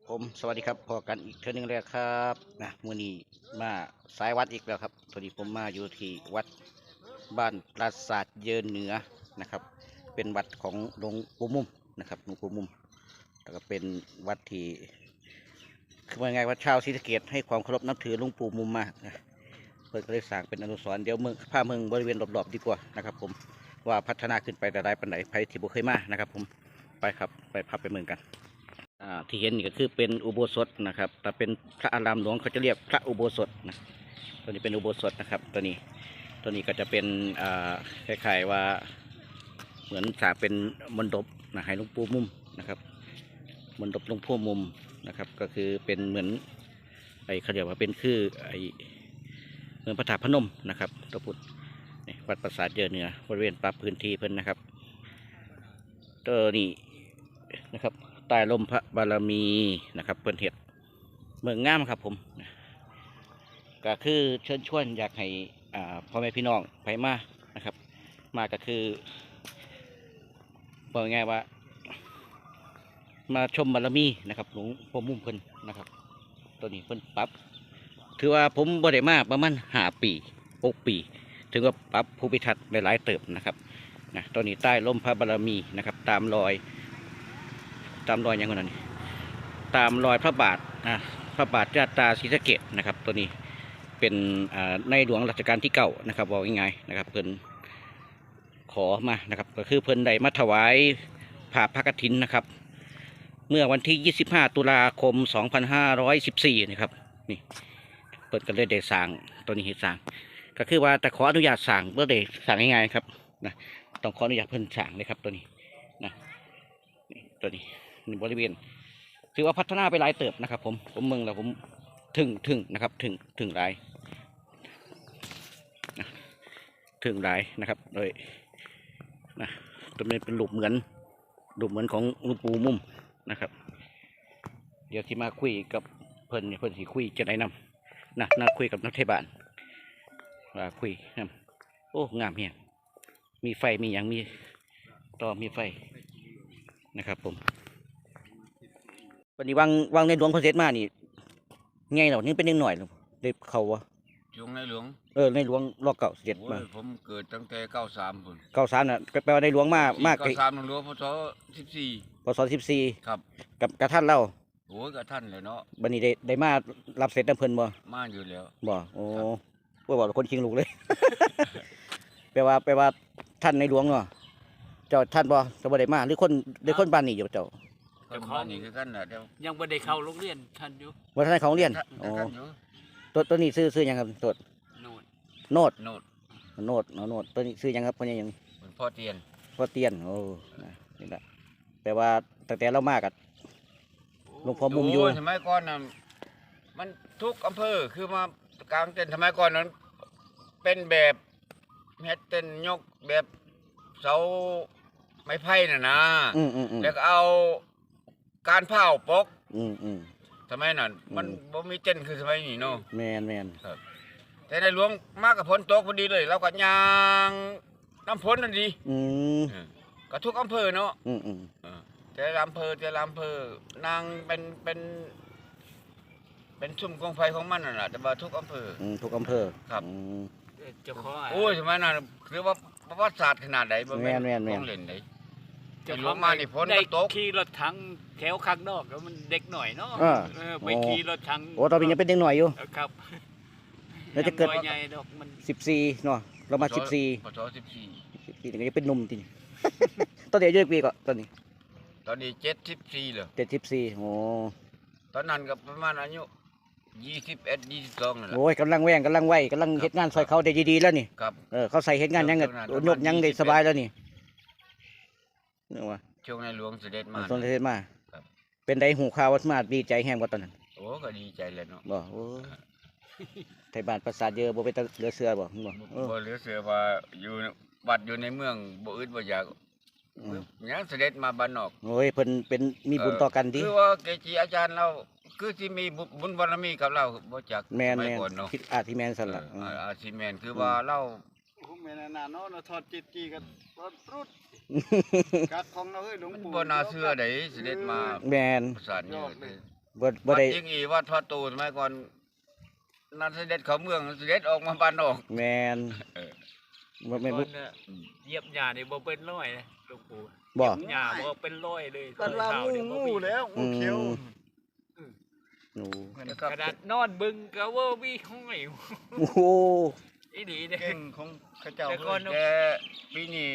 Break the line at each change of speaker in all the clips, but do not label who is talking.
ผมสวัสดีครับพอกันอีกเทื่อนึงแล้วครับนะมื้อนี้มาสายวัดอีกแล้วครับตอนนี้ผมมาอยู่ที่วัดบ้านปราสาทเยินเหนือนะครับเป็นวัดของหลวงปู่มุมนะครับหลวงปู่มุมแล้วก็เป็นวัดที่คือว่าไงว่าชาวศรีสะเกษให้ความเคารพนับถือหลวงปู่มุมมากนะเพิ่นก็เลยสร้างเป็นอนุสรณ์เดี๋ยวเมืองพาเมืองบริเวณรอบๆดีกว่านะครับผมว่าพัฒนาขึ้นไปแต่ใดปานใดใครที่บ่เคยมานะครับผมไปครับไปพาไปเมืองกัน ที่เห็นนี่ก็คือเป็นอุโบสถนะครับแต่เป็นพระอารามหลวงเขาจะเรียกพระอุโบสถนะตัวนี้เป็นอุโบสถนะครับตัวนี้ก็จะเป็นคล้ายๆว่าเหมือนสร้างเป็นมณฑปนะให้หลวงปู่มุมนะครับมณฑปหลวงพ่อมุมนะครับก็คือเป็นเหมือนไอ้เขาเรียกว่าเป็นคือไอ้เมืองพระธาตุพนมนะครับตัวพุทธนี่วัดปราสาทเยอะเหนือบริเวณปรับพื้นที่เพิ่นนะครับตัวนี้นะครับ ใต้ลมพระบารมีนะครับเพิ่นเห็ดเมืองงามครับผมก็คือเชิญชวนอยากให้พ่อแม่พี่น้องไปมานะครับมาก็คือบอกง่ายว่ามาชมบารมีนะครับหลวงพ่อมุ่มเพิ่นนะครับตัวนี้เพิ่นปรับถือว่าผมบ่ได้มาประมาณ5 ปี6 ปีถึงว่าปรับภูมิทัศน์หลายๆเติบนะครับนะตัวนี้ใต้ลมพระบารมีนะครับตามรอยอย่างนั้นนี่ตามรอยพระบาทพระบาทญาตราศรีสะเกษนะครับตัวนี้เป็นในหลวงรัชกาลที่9นะครับบอกง่ายๆนะครับเพิ่นขอมานะครับก็คือเพิ่นได้มาถวายผ่าพระกฐินนะครับเมื่อวันที่25 ตุลาคม 2514นะครับนี่เพิ่นก็เลยได้สร้างตัวนี้สร้างก็คือว่าแต่ขออนุญาตสร้างเพื่อได้สร้างง่ายๆครับนะต้องขออนุญาตเพิ่นสร้างเลยครับตัวนี้นะตัวนี้บริเวณถือว่าพัฒนาไปหลายเติบนะครับผมเมืองแล้วผมถึงนะครับถึงหลายนะถึงหลายนะครับโดยนะตัวนี้เป็นรูปเหมือนของหลวงปู่มุมนะครับเดี๋ยวที่มาคุยกับเพิ่นสิคุยจะได้นำน่าคุยกับนักเทศบาลว่าคุยนำโอ้งามเฮียมีไฟมีอย่างมีต่อมีไฟนะครับผมวันนี้วางในหลวงคอนเซ็ปต์มานี่ไงเหล่านี้เป็นยังหน่อยเด็กเขาวะ
ช่วงในหลวง
ในหลวงรอเก่าเสด็จมา
ผมเกิดตั้งแต่93พุ่น
93น่ะแปลว่าในหลวงมาก
93หลวงพศ
14
ครับ
กับกระท่านเล่า
โอ้ยกับท่านเลยเนาะ
บัดนี้ได้มารับเสร็จน้ำเพิ่นบ่
มาอยู่แล้ว
บ่โอ้พวกบอกคนคิงลูกเลย แปลว่าท่านในหลวงเนาะเจ้าท่านบ่จะบ่ได้มาหรือคนบ้านนี้อยู่เจ้า
คนบ้านนี้คือกันน่ะเดี๋ยว
ยังไม่ได้เข้าโรงเรียนท่านอยู่
บ่ทันเขาเรียนอ๋อตัวนี้ซื้อหยังครับตัว
โน่น
โนดตัวนี้ซื้อหยังครับพ่อใหญ่หยัง
พ่อเตียน
พ่อเตียนโอ้นี่แหละแปลว่าตั้งแต่เรามากับหลวงพ่อมุมอยู่
สมัยก่อนน่ะมันทุกอำเภอคือมากลางเต็นท์สมัยก่อนนั้นเป็นแบบเฮ็ดเต็นท์ยกแบบเสาไม้ไผ่น่ะนะแล้วก็เอาการเผาปกสมัยนั้นมันบ่มีเต็นท์คือสมัยนี้เนาะ
แมน
ครับแต่ในหลวงมากับฝนตกพอดีเลยเราก็ย่างน้ำฝนนั่นดีก็ทุกอำเภอเนาะแต่ละอำเภอนางเป็นชุ่มกองไฟของมันนั่นแหละแต่ว่าทุกอำเภอ
ทุกอำเภอ
ครับ
เจ้าของ
โอ้ยสมัยนั้นคือว่าประวัติศาสตร์ขนาดไหนบ่แม่นของเล่นไหนหลวงมานี่ฝนตก
ขี่รถถังแถวข้างนอกแล้วมันเด็กหน่อยเนาะไปขี่รถถัง
โอ้ตอนนี้ยังเป็นเด็กหน่อยอยู่
ครับ
แล้วจะเกิด
ใหญ่ดอกมัน
14เนาะเรามา14
พศ14
ถึงจะเป็นหนุ่มจริงตอนเด็กอายุกี่ปีก็ตอนนี้
74เหรอ
74โอ้
ตอนนั้นก็ประมาณอายุ21 22นั่นแหละ
โอ้ยกำลังแว่งกำลังไหวกำลังเฮ็ดงานซอยเขาได้ดีๆแล้วนี่
ครับ
เขาใส่เฮ็ดงานยังก็นกยังได้สบายแล้วนี่นึกว่า
ช่วงในหลวงเสด็จมา
เสด็จมาเป็นได้หูข่าวว่ามาดีใจแฮงกว่าตอนนั้น
โอ้ก็ดีใจเลยเนาะ
บ่โอ้ไทยบ้านปราสาทเยอะบ่ไปเหลือเสือบ่
เหลือเสือว่าอยู่บัดอยู่ในเมืองบ่อึดบ่อยากยังเสด็จมาบ้านนอก
โอ้ยเพิ่นเป็นมีบุญต่อกันดิ
คือว่าเกจิอาจารย์เราคือที่มีบุญบารมีกับเราบ่จัก
แม่นคิดอาทิแม่นสั่นล่ะ
อาทิแม่นคือว่าเรา
แม่นน่ะเนาะทอดจิตจีกันรถปรุดกัดของเราเฮ้ยหลวงปู่
บ่น่าเชื่อได้เสด็จมา
แม่น
ประสานนี่
บ่
วัด
ได้
ยิงอีวัดพระตูสมัยก่อนนั่นเสด็จเข้าเมืองเสด็จออกมาบ้านนอก
แม่นบ่แม่น
ก่อนน่ะเหยียบหญ้านี่บ่เป็นร้อยนะหลวงปู่
บ่
หญ้าบ่เป็นร้อยเลย
กันว่า
เท้าเนี่ยบ่
งู
มี
แล้วงูเขียว
หนู
กระดาษนอนบึงก็ว่ามีห้อย
โอ้โห
อีดีเด้
เก่งของข้าเจ้า
แต่ก่อน
แต่ปีนี้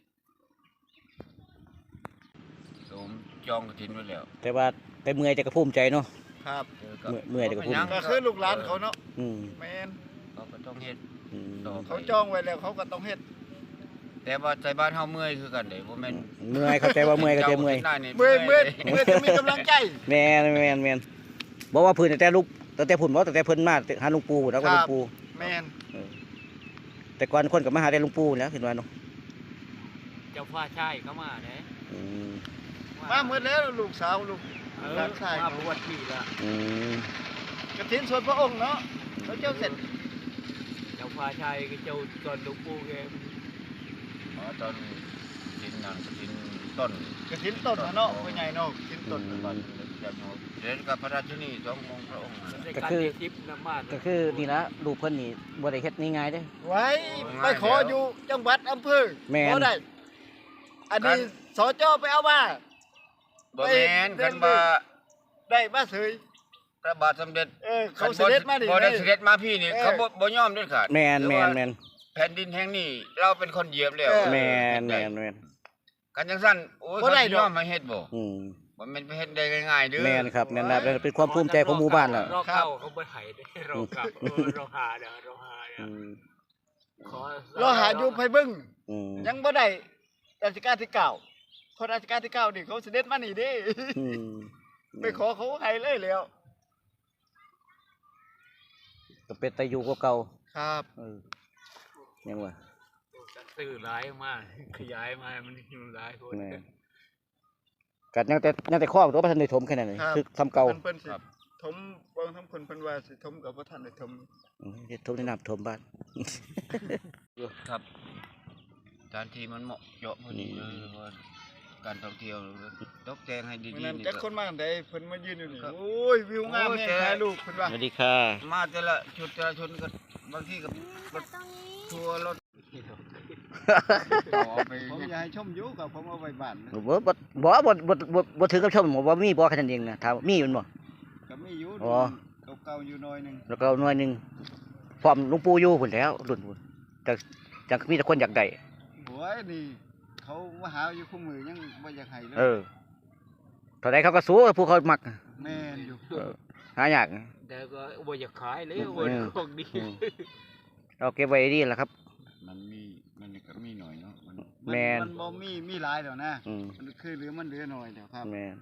ผมจองกฐินไว้แล้ว
แต่ว่าแต่เมื่อยแต่ก็ภูมิใจเนาะ
ครับ
เมื่อยแต่ก็พูด
ก็คือลูกหลานเขาเนาะ
อืม
แม่น
เขาก็ต้องเฮ็ด
อืม
ต่อ
เขาจองไว้แล้วเขาก็ต้องเฮ็ด
แต่ว่าใจบ้านเฮาเมื่อยคือกันเด้บ่แม่น
เมื่อยเข้าใจว่าเมื่อยเข้าใจเมื่อย
จ้านี่
เมื่อยเมื่อย
ด้
เมื่อยจะมีกำลังใจ
แม่นบอกว่าเพื้นตั้งแต่ลูกตั้งแต่พุ่นบ่ตั้งแต่เพิ่นมาหาหลวงปู่แล้วก็หลวงปู่
แม่น
แต่ก่อนคนก็มาหาแต่หลวงปู่แล้วเห็นว่าเนาะ
เจ้าฟ้าชายเข้ามาเด้
อืม
มาเมื่อแล้วลูกสาวลูก
เออ
หลานชาย
มาบวชปีละ
อืม
กฐินส่วนพระองค์เนาะเขาเจ้าเสร็จ
เจ้าฟ้าชายก็เจ้าก่อนหลวงปู่แก
อ๋อตอนกินนั่นกินต้น
กฐินต้นน่ะเนาะพ่อใหญ่เนาะกฐินต้น
บ้านเรียนกับพระราชินีสององค์พระองค์
ในการเรียนทิพย์น้ำมา
ก็คือนี่นะลูกเพิ่นนี่บ่ได้เฮ็ดง่ายๆเด้
ไว้ไปขออยู่จังหวัดอำเภอ
แม่น
ขอได้ อันนี้สจไปเอามา
บ่แม่นคันว่า
ได้มาเสย
พระบาทสมเด็จ
เขาเสด็จมาดิ
บ่ได้เสด็จมาพี่นี่เขาบ่ยอมเด็ดขาด
แม่น
แผ่นดินแห่งนี้เราเป็นคนเหยียบแล้ว
แม่น
กันจังซั่นโอ้ยเขาสิยอมมาเฮ็ดบ่
อืม
บ่แม่นไปเฮ็ดได้ง่ายๆเด้อ
แม่นครับแม่นนะเป็นความภูมิใจของหมู่บ้านล่ะ
เราเก่าเขาบ่ให้เด้เราเก่าเราหาเด้อเราหาเด้
อื
อ
ม
ขอ
เราหาอยู่ไผบึ้ง
อืม
ยังบ่ได้รัชกาลที่เก้าพอรัชกาลที่เก้านี่เขาเสด็จมานี่เด้
อืม
ไปขอเขาให้เลยแล้ว
ก็เป็นตาอยู่กว่าเก่า
ครับ
เออยังว่า
สื่อร้ายมากขยายมามันอยู่หลายคน
แม่กัดยังแต่ข้อตัวประทันได้ถมแค่นั้นเลยคือทำเก่า
เพิ่นสิถมเบิ่งทำคนเพิ่นว่าสิถมกับบ่ทันได้ถม
ถมในน้ำถมบ้าน
ครับสถานที่มันเหมาะเจาะพอดีเลยว่าการท่องเที่ยวตกแต่งให้ดี
มื้อนั้น
ๆนี่
จัก
ก็
คนมาอันใดเพิ่นมายืนอยู่นี่
ครับ
โอ้ยวิวงามแฮงถ่ายรูปเพิ่นว่า
สวัสดีค่ะ
มาแต่ละชุดแต่ละชนก็บางทีก็รถทัวร์รถเอาไป
ผม
เฮ็ด
อยากให้ชมอยู่กับผมเอาไว้บ้านนะ
บ่ถือกับชมบ่มีบ่แค่นั้นเองนะถามมีมันบ่
ก็มีอยู่
อ๋อ
เก่าๆอยู่หน่อยหนึง
แล้วก็หน่วยหนึงพร้อมหลวงปู่อยู่พุ่นแล้วรุ่นพุ่นจังมีแต่คนอยากได้
โอ้ยนี่เขามาหาอยู่คู่มือยังบ่อยากให้เลย
เออเท่าใดเขาก็สู้ผู้เขามัก
แม่นอยู่
หายาก
แต่ก็บ่อยากขายเลยบ่ของดี
เราเก็บไว้ดีล่ะครับ
มันก็มีหน่อยเนาะมัน
แม่น
มันบ่มีหลายแล้วนะ
อืม
มันคือเหลือมันเหลือหน่อยเดี๋ยวครับ
แม่น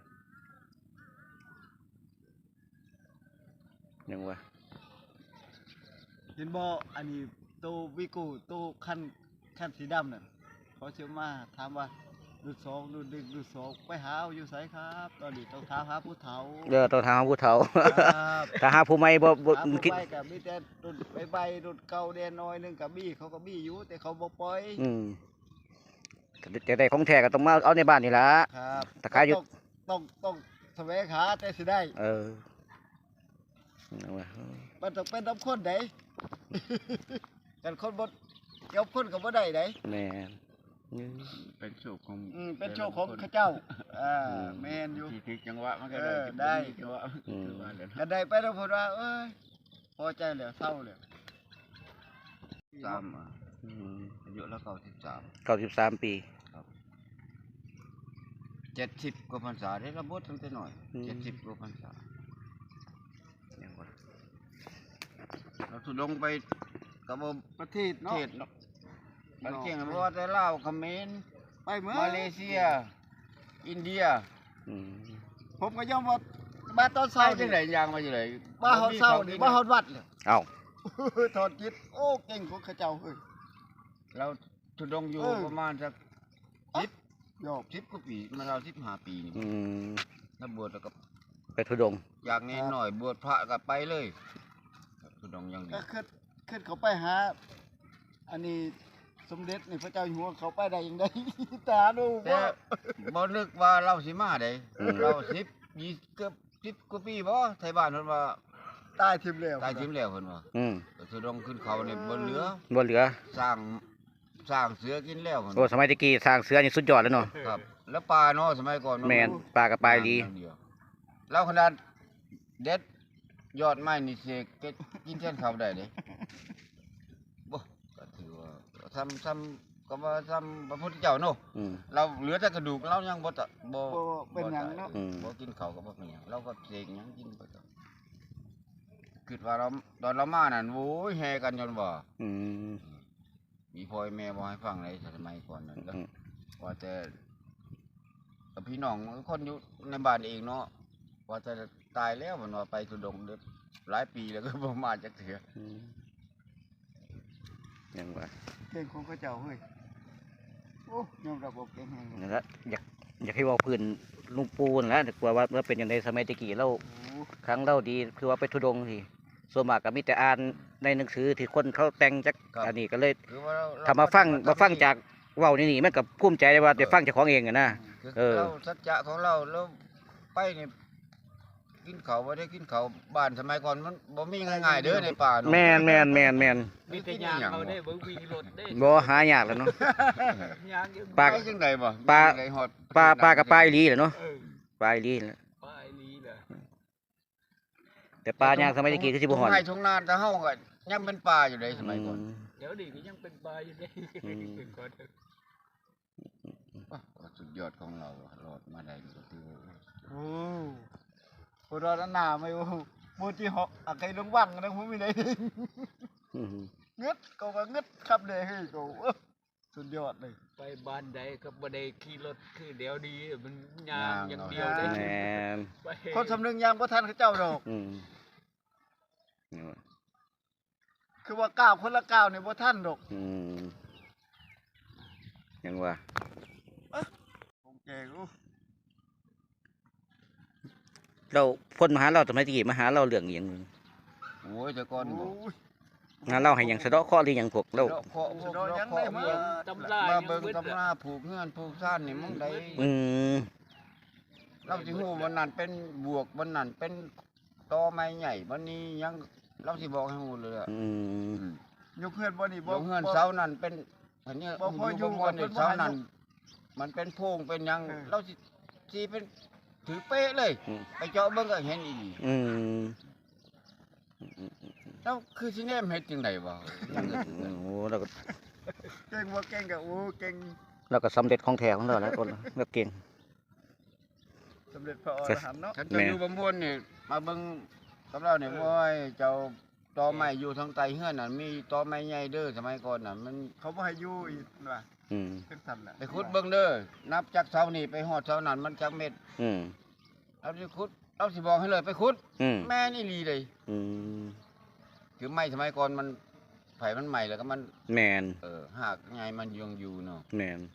ยังว่า
เห็นบ่อันนี้ตู้วิโก้ตู้คันสีดำน่ะเขาเชื่อมาถามว่ารุ่นสองรุ่นหนึ่งรุ่นสองไปหาเอาอยู่ไสครับตอนนี้ต้องถามหาผู้เฒ่า
ต้องทางผู้เฒ่า
ครับ
ถ้าหาผู้ใหม่บ่
หาผู้
คิด
ไปกับมีแต่รุ่นใบรุ่นเก่าแดนน้อยหนึงกับบี้เขาก็บี้อยู่แต่เขาบ่ปล่อย
อืมจะได้ของแท้ก็ต้องมาเอาในบ้านนี่ล่ะ
ครับ
ตะขายอยู่
ต้องแสวงหาแต่สิได้
เออยังว่า
มันต้องเป็นน้ำข้นได กันคนบ่เกี่ยวคนก็บ่ได้ได
แม่น
เป็นโชคของ
เป็นโชคของข้าเจ้าแม่นอยู่
ที่ถึกจังหวะมันก็
ได้
จังหวะคือว่าแล้ว
กันได้ไปแล้วพูดว่าเอ้ยพอใจแล้วเศร้าแล้ว
3
อืม
อายุแล้ว93
93 ปี
70กว่าพรรษาได้ระบดตั้งแต่น้อย
อืม
70กว่าพรรษายังว่าเราทุดงไปกับบ่
ประเทศเนาะ
เทศเนาะบางเก่งเพราะว่าแต่ลาวเขมร
ไปเมื่อ
มาเลเซีย อินเดีย
อืม
ผมก็ยอมว่ามาตอน
เศร้า
เช้า
จั
นี่
งไดย่างมาจังได
มาเฮาเศร้านี่มาเฮาวัดเลย
เอ้า
ถอดจิตโอ้เก่งของข้าเจ้าเฮ้ย
เราทุดงอยู่
เออ
ประมาณสัก
ยอก
10กว่าปีมาเรา15ปีนี่
อืม
แล้วบวชแล้วก็
ไปทุดงค์
อยากนี้หน่อยบวชพระก็ไปเลยทุดงอย่างนี้
ก็ขึ้นเขาไปหาอันนี้สมเด็จนี่พระเจ้าอยู่หัวเขาไปได้ยังไง ตาดู
แต่
ว่า
บ่นึกว่าเราสิมาได้เรา10 20เกือบ 10 กว่าปีบ่ไทยบ้านเพิ่นว่า
ตายทิมแล้ว
ตายทิ่มแล้วเพิ่นว่า
อืม
ทุดงขึ้นเขานี่บ่เหลือ
บ่เหลือ
สร้างเสือกินแล้วเพิ่น
โอ้สมัยตะกี้สร้างเสือนี่สุดยอดแล้วเนาะ
ครับ แล้วปลาเนาะสมัยก่อน
แม่นปลากับปลาอีหลี
อย่างเดียวแล้วขนาดเด็ดยอดไม้นี่เสกเก็ดกินแทนข้าวได้เด้บ่ก็ถือว่าซ้ำก็ว่าซ้ำพระพุทธเจ้าเนาะ
อืม
เราเหลือแต่กระดูกเรายังบ่ตะบ่
บ่เป็นหยังเนาะ
อืม
บ่กินข้าวก็บ่เป็นหยังเราก็เสกหยังกินไปต่อคิดว่าเราตอนเรามานั่นโอ้ยแห่กันจนว่า
อืม
มีพ่อแม่บ่ให้ฟังเลยสมัยก่อนนั่นแล้ว
อืม
ว่าแต่พี่น้องคนอยู่ในบ้านเองเนาะว่าจะตายแล้วมันว่าไปทุดงค์เด้อหลายปีแล้วก็บ่มาจักเทื่อ
อืมยังว่า
เก่งของเขาเจ้าเฮ้ยโอ้ยอมรับว่าเก่งแฮง
นั่นแหละอยากให้เว่าพื้นลุงปูนนแหล้วกลัวว่าเป็นอย่างในสมัยตะกี้เรา
โอ้
ครั้งเราดีคือว่าไปทุดงค์สิส่วนมากก็มีแต่อ่านในหนังสือที่คนเขาแต่งจากอันนี้ก็เลย
คือว่าเรา
ถ้ามาฟังจากเว้านี่มันก็ภูมิใจได้ว่าได้ฟังจากของเองอะนะ
คือ
เออ
เราสัจจะของเราแล้วไปนี่กินข้าวบ่ได้กินข้าวบ้านสมัยก่อนมันบ่มีง่ายๆเด้อในป่าเนาะ
แม่น
มีแต่ยางเอาได้เบิ่งวิ่งรถได้
บ่หายากแล้วเนาะ
ยางยัง
ปลา
ไปจังไดบ่
ปลา
จังไดฮอด
ปลากับปลาอีหลีแหละเนาะ
เออ
ปลาอีหลีแหละ
ปลายนี้แหละ
แต่ปลาย่างสมัยตะกี้คือสิบ่ฮอด
ทุ่งไร่ทุ่งนาแต่เฮาก็ยังเป็นป่าอยู่เลยสมัยก่อน
เดี๋ยวนี้ก็ยังเป็นปลาอยู่ได้
อืม
ก่อนเถอะ
ว่าสุดยอดของเราอะรอดมาได้นี่ก็ถือว่า
โอ้บ่รอดหน้าไม่โอ้บ่ที่เหาะอะใครลงวังนะผมมีได้
อืม
งึดก็งึดครับเลยเฮ้ยก็โอ้สุดยอดเลย
ไปบ้านใดก็บ่ได้ขี่รถคือเดี๋ยวนี้มันยางอย่างเดียวได้
แม่น
ไป
คนสำนึกยังบ่ทันเขาเจ้าดอก
อืม
คือว่าก้าวคนละก้าวนี่บ่ทันดอก
อืมยังว่า
ผมแก่กู
เราพ่นมาหาเราสมัยตะกี้มาหาเราเรื่องอหย่างหนึง
โอ้ยแต่ก่อน
โอ้
บ่
ย
หาเราให้หยังสะเดาะเคราะห์หรือหยังพวกเรา
เลาะเคาะพวก
สะเดาะยัง
เลาะ
ได้
เคาะ
มา
เบิ่ง
ตำรา
มา
ยัง
เบิ่ง
เบิด
ตำราผูกเฮือนผูกซ่านนี่มึงได้
อืม
เราสิฮู้วันนั้นเป็นบวกวันนั้นเป็นตอไม้ใหญ่วันนี้ยังเราสิบอกให้ฮู้เลยอะ
อืม
ยกเฮือนบ่นี่บ่
บ่เฮือนเสานั้นเป็นอันนี้
บ่พออยู่
บ่ม่วนนี่
บ่
เสา
ให้
นั้น
อยู่
มันเป็นโพรงเป็นหยัง
เออ
เราสิเป็นถือเป๊ะเลย
อืม
ไปเจาะเบิ่งก็เห็นอีหลี
อืม
แล้วคือสิแนมเฮ็ดจังได๋วะยังก็ถือกัน
โอ้เราก็
เก่งบ่เก่งก็โอ้เก่ง
เราก็สำเร็จของแท้ของเราแล้วคนเราเก่ง
สำเร็จพระอรหันต์เนาะ
คันเจะอยู่บำพวนนี่มาเบิ่งกับเราเนี่ยโอ้ยเจ้าตอไม้อยู่ทางใต้เฮือนน่ะมีตอไม้ใหญ่เด้อสมัยก่อนน่ะมัน
เขาบ่ให้อยู่อีกว่า
อืม
จังซั่นแหละ
ไปขุดเบิ่งเด้อนับจากเสานี่ไปฮอดเสานั้นมันจักเม็ด
อืม
เราสิขุดเราสิบอกให้เลยไปขุด
อืม
แม่นี่ลีเลย
อืม
คือไม้สมัยก่อนมันไผมันใหม่แล้วก็มัน
แมน
หากไงมันยังอยู่เนาะ
แมน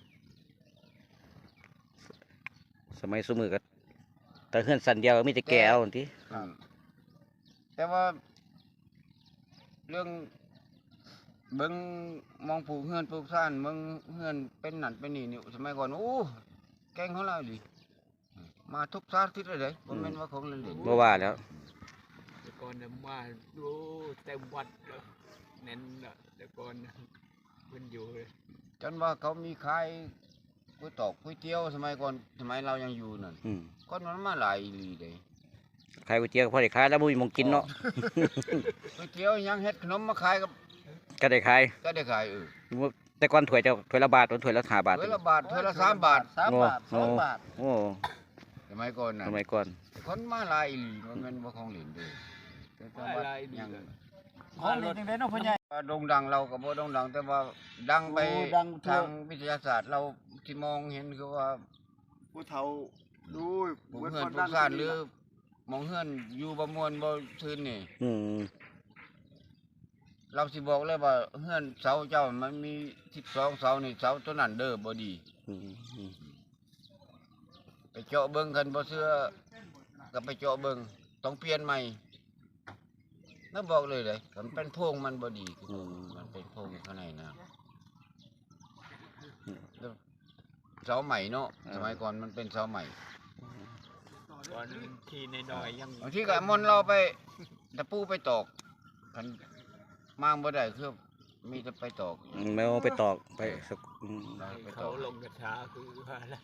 สมัยสมือก็แต่เฮือนสันเดียวมีแต่แก้วที่
อืมแต่ว่า เรื่องเบิ่งมองปลูกเฮือนปลูกซ่านเบิ่งเฮือนเป็นนั่นเป็นนี่นี่สมัยก่อนโอ้แกงของเราดิมาทุกสารทิศเลยเด้บ่แม่นว่าของเล่นๆ
บ่ว่าแล้ว
แต่ก่อนน่ะมาดูเต็มวัดแล้วแน่นน่ะแต่ก่อนน่ะมันอยู่เลย
จนว่าเขามีขายก๋วยตอกก๋วยเตี๋ยวสมัยก่อนสมัยเรายังอยู่นั่น
อืม
ก่อนมันมาหลายอีหลีเด้
ขายก๋วยเตี๋ยวก็พอได้ขายแล้วบ่มีหมองกินเนาะ
ก๋วยเตี๋ยวยังเฮ็ดขนมมาขายกับ
ก็ได้ขาย
ก็ได้ขาย
แต่ก่อนถ้วยถ้วยละบาทถ้วยละ5 บาท
ถ้วยละบาทถ้วยละ3 บาท
3 บาท
โอ้
2 บาท
โอ้
สมัยก่อนน่ะ
สมัยก่อน
คนมาหลายอีหลีมันเป็นบ่ของเล่นเด้แต่ว่า
หลายอีหลี
ยัง
ของดีจังได๋เนาะพ่อใหญ่
ว่าโด่งดังเราก็บ่โด่งดังแต่ว่าดังไป
โอ้ดังทั่ว
ทางวิทยาศาสตร์เราที่มองเห็นคือว่า
ผู้เฒ่าดู
ปลูกเฮือนปลูกซ่านหรือมองเฮือนอยู่บ่ม่วนบ่ซื่นนี่
อืม
เราสิบอกเลยว่าเฮือนเสาเจ้ามันมี12เสานี่เสาตัวนั้นเด้อบ่ดี
อืมอืม
ไปเจาะเบิ่งกันบ่เชื่อก็ไปเจาะเบิ่งต้องเปลี่ยนใหม่แล้วบอกเลยเลยมันเป็นโพรงมันบ่ดีคือมันเป็นโพรงข้างในนะแล้วเสาใหม่เนาะสมัยก่อนมันเป็นเสาใหม่
ก่อนที่น้อยๆยัง
บางทีก็มนต์เราไปตะปูไปตอกกันมางบ่ได้คือมีแต่ไปตอก
แมวไปตอกไปสัก
ไปต
เขา
อก
ลงกระชาคือว่าแล้ว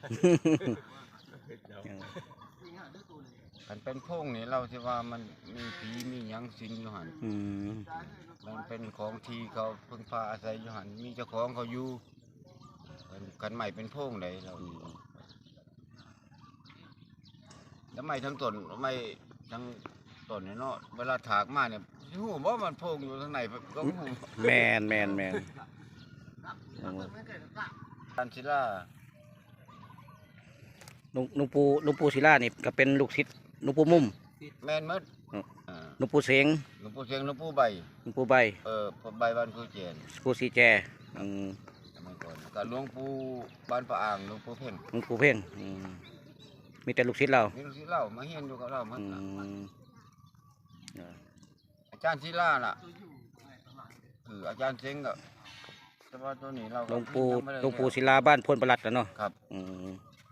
กันเป็นโพงนี่เราสิว่ามันมีผีมีหยังสิงอยู่หั่น
อืม
มันเป็นของที่เขาพึ่งพาอาศัยอยู่หั่นมีเจ้าของเขาอยู่กันใหม่เป็นโพงเลยเราแล้วไม่ทั้งต้นไม่ทั้งต้นเนี่ยเนาะเวลาถากมาเนี่ยหูว่ามันโพงอยู่ข้างในก็หู
แมนแมนแมน
ตันศิลา
หลวงปู่ศิลานี่ก็เป็นลูกศิษย์หลวงปู่มุ่ม
แม่นหมด
หลวงปู่เสง
หลวงปู่เชียงหลวงปู่ใบ
หลวงปู่ใบ
พอใบบ้านครูเจน
ปู่สีแจอืม
สมัยก่อนกับหลวงปู่บ้านพระอ่างหลวงปู่เพ่ง
หลวงปู่เพ่งอืมมีแต่ลูกศิษย์เรา
นี่ลูกศิษย์เล่ามาเฮียนอยู่กับเราหมด
อื
น่ะ
ม
อาจารย์ศิลาน่ะคืออาจารย์เชงก็แต่ว่าตัวนี้เรา
หลวงปู่
ยังไม่ได้
หลวงปู่ศิลาบ้านพลประหลัดแล้วเนาะ
ครับ
อืม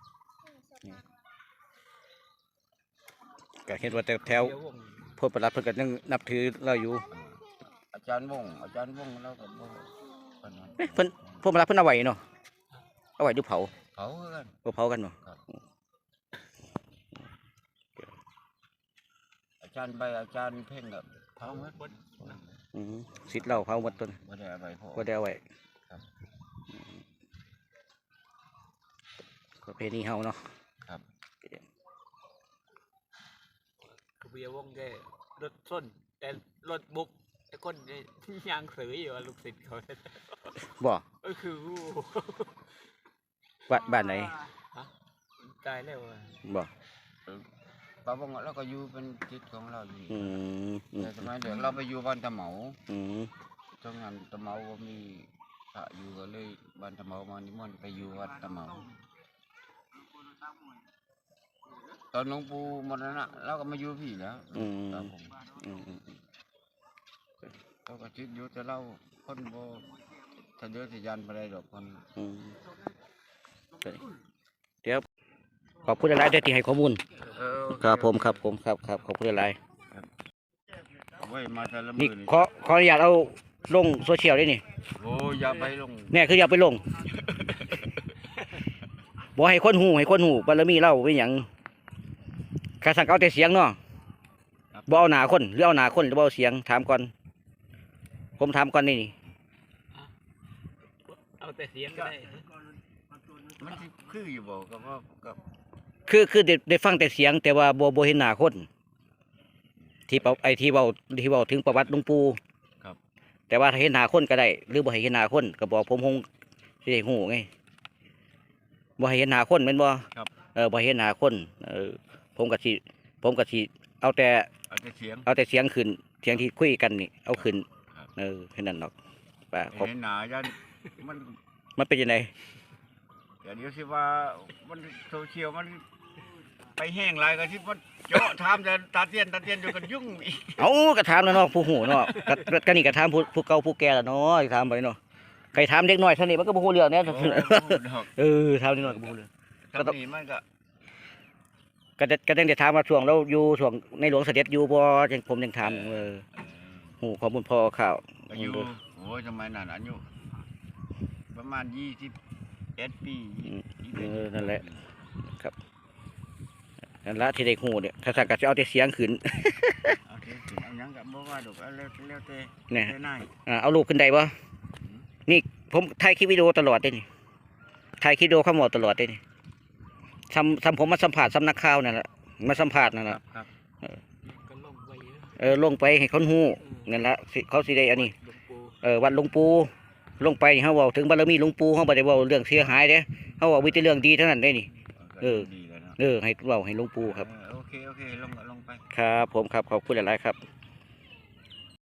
ก็เห็นว่าแต่แถวพลประหลัดเพิ่นก็ยังนับถือเราอยู่
อาจารย์วงเราก็บ่ปานนั้น
เอ๊ะเพิ่นพลประหลัดเพิ่นเอาไว้เนาะเอาไว้ดูเผา
เขาคือกัน
บ่เผากันเนาะ
อาจารย์ใบอาจารย์เพ่งกับเขาหมด
อืมศิษย์เราเผาหมดต้น
บ่ได้เอาไปพอ
บ่ได้เอาไว้
ครับ
อืมประเพณีเฮาเนาะ
ครับ
กเบียวงแกรถส้นแต่รถบุกไอ้คนนี่ยางสืออยู่ว่าลูกศิษย์เขา
บ่
ก็คือ
บ้านไหน
ตายแล้วอ่ะ
บ่
ป้าบงเราก็อยู่เป็นจิตของเราอยู่
อืมอืม
แต่สมัยเด็กเราไปอยู่บ้านตะเหมา
อืม
ตรงนั้นตะเหมาก็มีพระอยู่ก็เลยบ้านตะเหมามานิมนต์ไปอยู่วัดตะเหมาตอนหลวงปู่มรณะเราก็มาอยู่พี่แล้ว
อืม
ครับผม
อืมอืม
เราก็คิดอยู่แต่เราคนบ่ทะเยอทะยานไปได้ดอกคน
อืมเดี๋ยวขอบคุณหลายๆที่ให้ข้อมูล ครับผมครับขอบคุณหลาย
ไว้มาแต่ละ
ๆ
มื
นี่
อนี่
ขออนุญาตเอาลงโซเชียลได้นี่
โอ้อย่าไปลง
แน่คืออย่าไปลงบ่ให้คนหูบารมีเล่าเป็นหยังข้าสั่งเอาแต่เสียงเนาะบ่เอาหนาคนหรือเอาหนาคนหรือบ่เอาเสียงถามก่อนผมถามก่อนนี่
เอาแต่เสียงก็ได้
มันสิคืออยู่บ่กับว่ากับ
คือได้ฟังแต่เสียง แต่ว่าบ่เห็นหน้าคนที่เป่าไอ้ที่เว้าถึงประวัติหลวงปู่
ครับ
แต่ว่าถ้าเห็นหน้าคนก็ได้ หรือบ่ให้เห็นหน้าคนก็บอกผมคงสิได้ฮู้ไงบ่ให้เห็นหน้าคนแม่นบ่
ครับ
บ่ให้เห็นหน้าคนผมก็สิเอาแต่
เอาแต่เสียง
เสียงขึ้นเสียงที่คุยกันนี่เอาขึ้น
ครับ
แค่นั้นหรอกป่าผม
เห็นหนายันมัน
มันเป็นยังไง
เดี๋ยวสิว่ามันโซเชียลมันไปแห้งหลายก็ที่มันเจาะถามแต่ตาเตียนอยู่กันยุ่งอีก
เอาก็ถามแล้วเนาะผู้หูเนาะก็นี่ก็ถามผู้เก่าผู้แก่แล้วเนาะถามไปเนาะใครถามเด็กน้อยเท่านี้มันก็บ่ฮู้เรื่องแน่
โอ้โหดอก
ถามเด็กน้อยก็บ่ฮู้เรื่อง
ตอนนี้มันก็
ก็ตั้งแต่ถามว่าช่วงเราอยู่ช่วงในหลวงเสด็จอยู่บ่จังผมยังถามฮู้ข้อมูลพอข่าว
อายุโอ้ยสมัยนั้นอายุประมาณ21 ปี21
นั่นแหละครับนั่นละที่ได้ฮู้เนี่ยถ้าสักก็สิเอาแต่เสียงขึ้น
เอาเถอะเอาหยังก็บ่ว่าดอกเอาแล้วแต่
เนี่ย
แต่นาย
เอารูปขึ้นได้บ่นี่ผมถ่ายคลิปวิดีโอตลอดได้นี่ถ่ายคลิปวิดีโอเข้าหมดตลอดได้นี่ทำผมมาสัมผัสสำนักข่าวนั่นแหละมาสัมผัสนั่นแหละ
ครับ
ก็ลงไปเยอะ
ลงไปให้เขาฮู้นั่นละสิเขาสิได้อันนี้
หลวงปู่
วัดหลวงปู่ลงไปนี่เขาเว้าถึงบารมีหลวงปู่เขาบ่ได้เว้าเรื่องเสียหายเด้เขาเว้ามีแต่เรื่องดีเท่านั้นได้นี่
ก็
เออ
ดีแล้วเนาะ
ให้เว้าให้หลวงปู่ครับ
โอเคลงไป
ครับผมครับขอบคุณหลายๆครับ